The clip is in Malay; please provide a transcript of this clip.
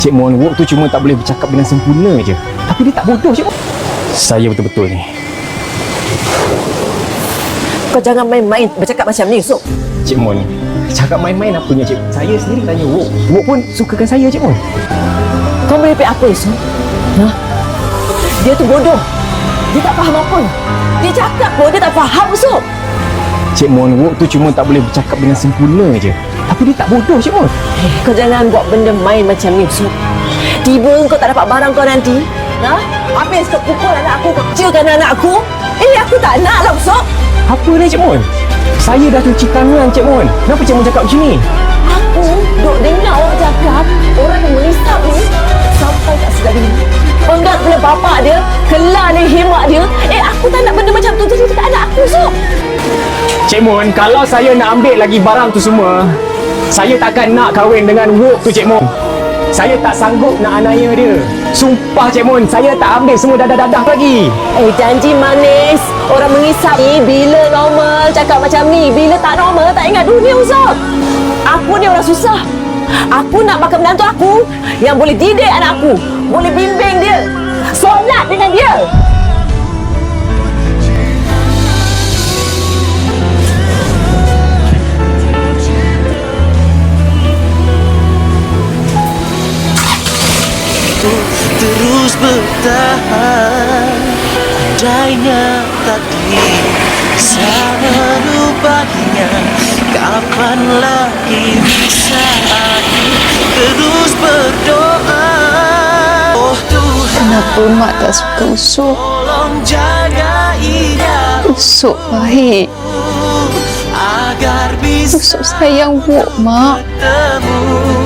Cik Mon, Wok tu cuma tak boleh bercakap dengan sempurna je. Tapi dia tak bodoh, Cik Mon. Saya betul-betul ni. Kau jangan main-main bercakap macam ni, Sok. Cik Mon, cakap main-main apanya, Cik? Saya sendiri tanya Wok. Wok pun sukakan saya, Cik Mon. Kau merepek apa, Sok? Ha? Dia tu bodoh. Dia tak faham apa. Dia cakap pun dia tak faham, Sok. Cik Mon, Wok tu cuma tak boleh bercakap dengan sempurna je. Tapi dia tak bodoh, Cik Mon. Kau jangan buat benda main macam ni, Sok. Tiba kau tak dapat barang kau nanti. Ha? Habis kau pukul anak aku, kau kecilkan anak aku. Aku tak nak lah, Sok. Apa ni, Cik Mon? Saya dah cuci tangan, Cik Mon. Kenapa Cik Mon cakap macam ni? Aku duk dengar orang cakap orang yang menisap ni sampai kat segala ni. Penggat kepala bapak dia, kelar ni hemat dia. Aku tak nak benda macam tu jadi dekat anak aku, Sok. Cik Mon, kalau saya nak ambil lagi barang tu semua, saya takkan nak kahwin dengan Wok tu, Cik Mon. Saya tak sanggup nak anaya dia. Sumpah, Cik Mon, saya tak ambil semua dadah-dadah lagi. Janji manis. Orang mengisap ni bila normal cakap macam ni. Bila tak normal tak ingat dunia, Sok. Aku ni orang susah. Aku nak makan menantu aku yang boleh didik anak aku, boleh bimbing dia, solat dengan dia. Terus bertahan, andainya tadi bisa merubahnya, kapan lagi bisa aku terus berdoa. Oh Tuhan, Kenapa mak tak suka Usop? tolong jaga ia Usop baik. agar bisa Usop sayang Wok, mak. bertemu.